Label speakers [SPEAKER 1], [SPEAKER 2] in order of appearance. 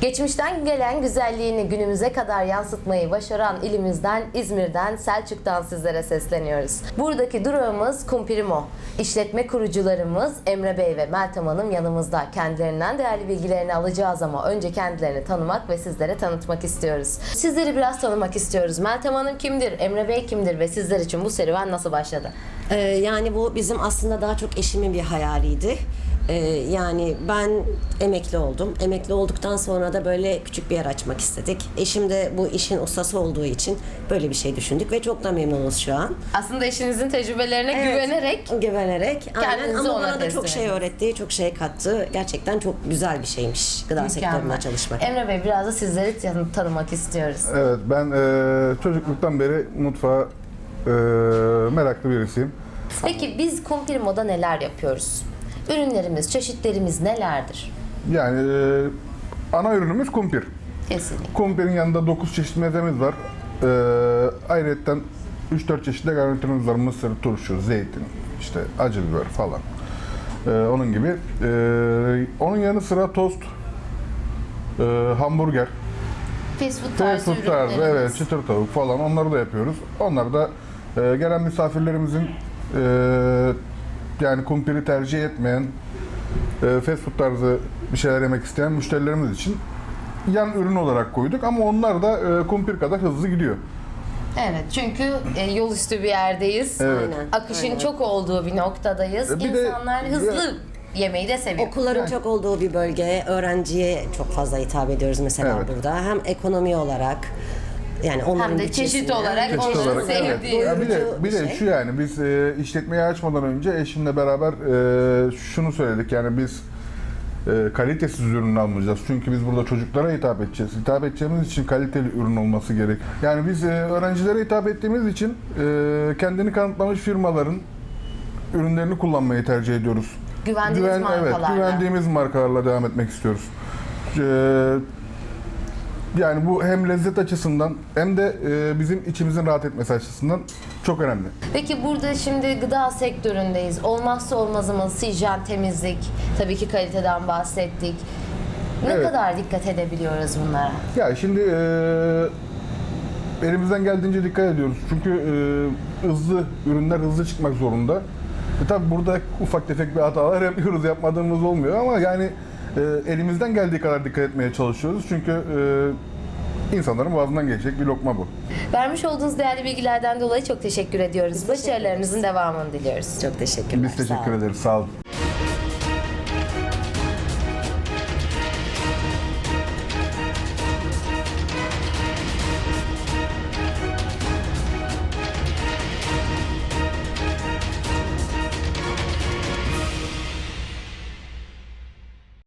[SPEAKER 1] Geçmişten gelen güzelliğini günümüze kadar yansıtmayı başaran ilimizden, İzmir'den, Selçuk'tan sizlere sesleniyoruz. Buradaki durağımız Kumpirimo. İşletme kurucularımız Emre Bey ve Meltem Hanım yanımızda. Kendilerinden değerli bilgilerini alacağız ama önce kendilerini tanımak ve sizlere tanıtmak istiyoruz. Sizleri biraz tanımak istiyoruz. Meltem Hanım kimdir? Emre Bey kimdir? Ve sizler için bu serüven nasıl başladı?
[SPEAKER 2] Yani bu bizim aslında daha çok eşimin bir hayaliydi. Yani ben emekli oldum. Emekli olduktan sonra da böyle küçük bir yer açmak istedik. Eşim de bu işin ustası olduğu için böyle bir şey düşündük ve çok da memnunuz şu an.
[SPEAKER 1] Aslında eşinizin tecrübelerine güvenerek
[SPEAKER 2] Aynen.
[SPEAKER 1] kendinizi
[SPEAKER 2] Ama
[SPEAKER 1] ona
[SPEAKER 2] bana da
[SPEAKER 1] teslim
[SPEAKER 2] çok şey
[SPEAKER 1] edin.
[SPEAKER 2] öğretti, çok şey kattı. Gerçekten çok güzel bir şeymiş gıda sektöründe çalışmak.
[SPEAKER 1] Emre Bey biraz da sizleri tanımak istiyoruz.
[SPEAKER 3] Evet, ben çocukluktan beri mutfağa meraklı birisiyim.
[SPEAKER 1] Peki biz Kumpirimo'da neler yapıyoruz? Ürünlerimiz, çeşitlerimiz nelerdir?
[SPEAKER 3] Yani ana ürünümüz kumpir.
[SPEAKER 1] Kesinlikle.
[SPEAKER 3] Kumpirin yanında 9 çeşit mezemiz var. Ayrıca 3-4 çeşit de garnitürümüz var. Mısır, turşu, zeytin, işte acı biber falan. Onun gibi. Onun yanı sıra tost, hamburger,
[SPEAKER 1] Fast food
[SPEAKER 3] fast
[SPEAKER 1] tarzı
[SPEAKER 3] food tarzı,
[SPEAKER 1] ürünlerimiz.
[SPEAKER 3] evet, çıtır tavuk falan onları da yapıyoruz. Onlar da gelen misafirlerimizin yani kumpiri tercih etmeyen, fast food tarzı bir şeyler yemek isteyen müşterilerimiz için yan ürün olarak koyduk ama onlar da kumpir kadar hızlı gidiyor.
[SPEAKER 1] Evet, çünkü yol üstü bir yerdeyiz.
[SPEAKER 3] Evet.
[SPEAKER 2] Aynen.
[SPEAKER 1] Akışın
[SPEAKER 2] Aynen.
[SPEAKER 1] çok olduğu bir noktadayız.
[SPEAKER 3] Bir de-
[SPEAKER 1] İnsanlar hızlı yemeği de seviyor.
[SPEAKER 2] Okulların çok olduğu bir bölge, öğrenciye çok fazla hitap ediyoruz mesela
[SPEAKER 3] Evet.
[SPEAKER 2] burada. Hem ekonomi olarak, yani onların
[SPEAKER 1] Hem de çeşit
[SPEAKER 2] bütçesine-
[SPEAKER 1] olarak
[SPEAKER 3] Çeşit
[SPEAKER 1] onların
[SPEAKER 3] olarak, evet.
[SPEAKER 1] sevdiği.
[SPEAKER 3] Ya bir de
[SPEAKER 2] bir şey.
[SPEAKER 3] şu, yani biz işletmeyi açmadan önce eşimle beraber şunu söyledik, yani biz kalitesiz ürün almayacağız. Çünkü biz burada çocuklara hitap edeceğiz. Hitap edeceğimiz için kaliteli ürün olması gerek. Yani biz öğrencilere hitap ettiğimiz için kendini kanıtlamış firmaların ürünlerini kullanmayı tercih ediyoruz.
[SPEAKER 1] Güvendiğimiz markalarla.
[SPEAKER 3] Evet, güvendiğimiz markalarla devam etmek istiyoruz. Yani bu hem lezzet açısından hem de bizim içimizin rahat etmesi açısından çok önemli.
[SPEAKER 1] Peki burada şimdi gıda sektöründeyiz. Olmazsa olmazımız hijyen, temizlik, tabii ki kaliteden bahsettik. Ne
[SPEAKER 3] Evet.
[SPEAKER 1] kadar dikkat edebiliyoruz bunlara?
[SPEAKER 3] Ya şimdi elimizden geldiğince dikkat ediyoruz. Çünkü hızlı ürünler hızlı çıkmak zorunda. Tabii burada ufak tefek bir hatalar yapıyoruz, yapmadığımız olmuyor ama yani elimizden geldiği kadar dikkat etmeye çalışıyoruz. Çünkü insanların boğazından geçecek bir lokma bu.
[SPEAKER 1] Vermiş olduğunuz değerli bilgilerden dolayı çok teşekkür ediyoruz. Başarılarınızın devamını diliyoruz.
[SPEAKER 2] Çok teşekkürler.
[SPEAKER 3] Biz
[SPEAKER 2] sağ
[SPEAKER 3] teşekkür
[SPEAKER 2] olun.
[SPEAKER 3] ederiz. Sağ olun.